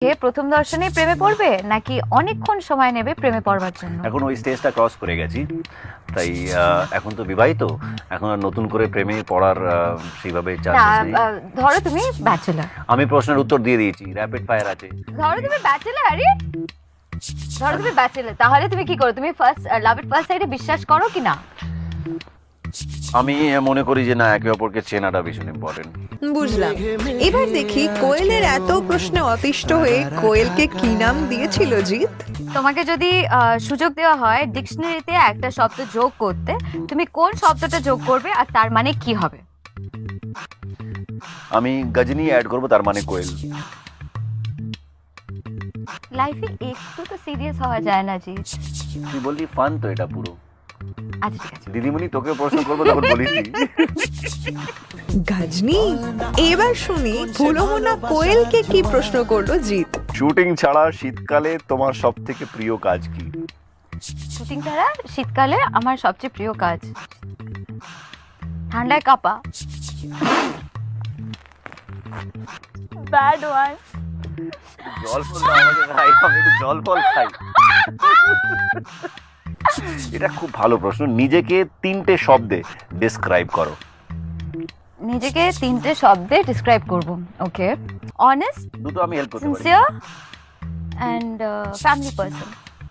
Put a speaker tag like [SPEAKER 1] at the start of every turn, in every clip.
[SPEAKER 1] প্রথম দর্শনেই প্রেমে পড়বে নাকি অনেকক্ষণ সময় নেবে প্রেমে পড়বার জন্য?
[SPEAKER 2] এখন ওই স্টেজটা ক্রস করে গেছি, তাই এখন তো বিবাহিত, এখন আর নতুন করে প্রেমে পড়ার সেইভাবে
[SPEAKER 1] না,
[SPEAKER 2] চান্সেস নেই।
[SPEAKER 1] ধরো তুমি ব্যাচেলর।
[SPEAKER 2] আমি প্রশ্নের উত্তর দিয়ে দিয়েছি, র্যাপিড ফায়ার আছে।
[SPEAKER 1] ধরো তুমি ব্যাচেলর, আরে ধরো তুমি ব্যাচেলর, তাহলে তুমি কি করো? তুমি ফার্স্ট লাভ এট ফার্স্ট সাইটে বিশ্বাস করো কি না?
[SPEAKER 2] আমি মনে করি যে না, একে অপরকে চেনাটা ভীষণ ইম্পর্টেন্ট।
[SPEAKER 3] বুঝলাম। এবার দেখি কোয়েলের এত প্রশ্নে অতিষ্ঠ হয়ে কোয়েলকে কি নাম দিয়েছিল জিৎ।
[SPEAKER 1] তোমাকে যদি সুযোগ দেওয়া হয় ডিকশনারিতে একটা শব্দ যোগ করতে, তুমি কোন শব্দটা যোগ করবে আর তার মানে কি হবে?
[SPEAKER 2] আমি গজনী অ্যাড করব, তার মানে কোয়েল।
[SPEAKER 1] লাইফে একটু তো সিরিয়াস হওয়া যায় না জি?
[SPEAKER 2] তুই বললি ফান তো এটা পুরো।
[SPEAKER 1] আচ্ছা ঠিক আছে।
[SPEAKER 2] দিদিমণি তোকে প্রশ্ন করবো তখন বলিস।
[SPEAKER 3] গাজনি, এবার শুনি ভুলমনা কোয়েলকে কি প্রশ্ন করলো জিৎ।
[SPEAKER 2] শুটিং ছাড়া শীতকালে তোমার সব থেকে প্রিয় কাজ কি?
[SPEAKER 1] শুটিং ছাড়া শীতকালে আমার সবচেয়ে প্রিয় কাজ ঠান্ডায় কাঁপা। Bad one.
[SPEAKER 2] জল ফল দাও আমাকে ভাই, আমি একটু জল ফল খাই। এটা খুব ভালো প্রশ্ন। নিজেকে 3টে শব্দে ডেসক্রাইব করো।
[SPEAKER 1] নিজেকে 3টে শব্দে ডিসক্রাইব করব। ওকে, অনেস্ট,
[SPEAKER 2] দুটো আমি হেল্প করতে পারি।
[SPEAKER 1] Sincere and family person.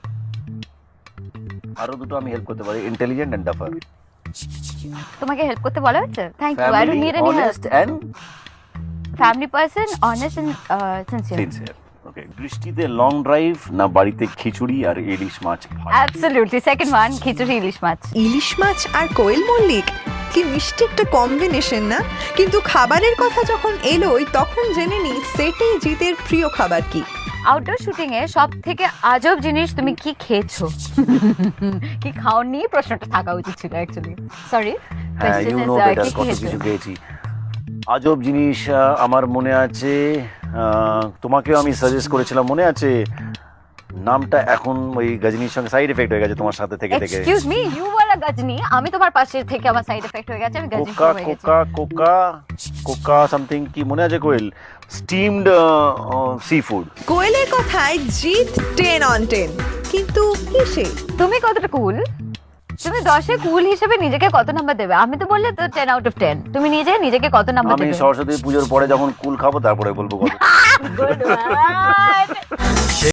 [SPEAKER 2] আরো দুটো আমি হেল্প করতে পারি, ইন্টেলিজেন্ট এন্ড ডাফার।
[SPEAKER 1] তোমাকে হেল্প করতে বলা হচ্ছে? Thank you, I don't need any help.
[SPEAKER 2] Honest and
[SPEAKER 1] family person, honest and sincere.
[SPEAKER 2] Sincere. Okay, বৃষ্টিতে লং ড্রাইভ না বাড়িতে খিচুড়ি আর ইলিশ মাছ ভাজা?
[SPEAKER 1] অ্যাবসলিউটলি সেকেন্ড ওয়ান, খিচুড়ি ইলিশ মাছ।
[SPEAKER 3] ইলিশ মাছ আর কোয়েল মল্লিক, কি মিষ্টি একটা কম্বিনেশন না? কিন্তু খাবারের কথা যখন এলোই তখন জেনে নি সেটে জিতের প্রিয় খাবার কি।
[SPEAKER 1] আউটডোর শুটিং এ সব থেকে আজব জিনিস তুমি কি খেয়েছো? কি খাওনি প্রশ্নটা থাকা উচিত ছিল অ্যাকচুয়ালি। সরি,
[SPEAKER 2] হ্যাঁ, ইউ নো বেটার, কত কিছু খেয়েছি। আজব জিনিস আমার মনে আছে, তোমাকেও আমি সাজেস্ট করেছিলাম, মনে আছে? নামটা এখন ওই গজনীর সঙ্গে সাইড এফেক্ট হয়ে গেছে তোমার সাথে থেকে থেকে।
[SPEAKER 1] Excuse me, you are a Ghajini, আমি তোমার পাশে থেকে আমার সাইড এফেক্ট হয়ে গেছে, আমি গজনী
[SPEAKER 2] কোকা
[SPEAKER 1] হয়ে গেছি।
[SPEAKER 2] কোকা কোকা কোকা সামথিং, কি মনে আছে কোয়েল? Steamed sea food.
[SPEAKER 3] কোয়েলের কথায় জিৎ 10 on 10, কিন্তু কিসে?
[SPEAKER 1] তুমি কতটা কুল? তুমি 10-এ কুল হিসেবে নিজেকে কত নাম্বার দেবে? আমি তো বললে তো 10 আউট অফ 10। তুমি নিজেকে কত নাম্বার
[SPEAKER 2] আমি
[SPEAKER 1] দেবে?
[SPEAKER 2] সরস্বতী পুজোর পরে যখন কুল খাবো তারপরে বলবো কত।
[SPEAKER 1] Good one.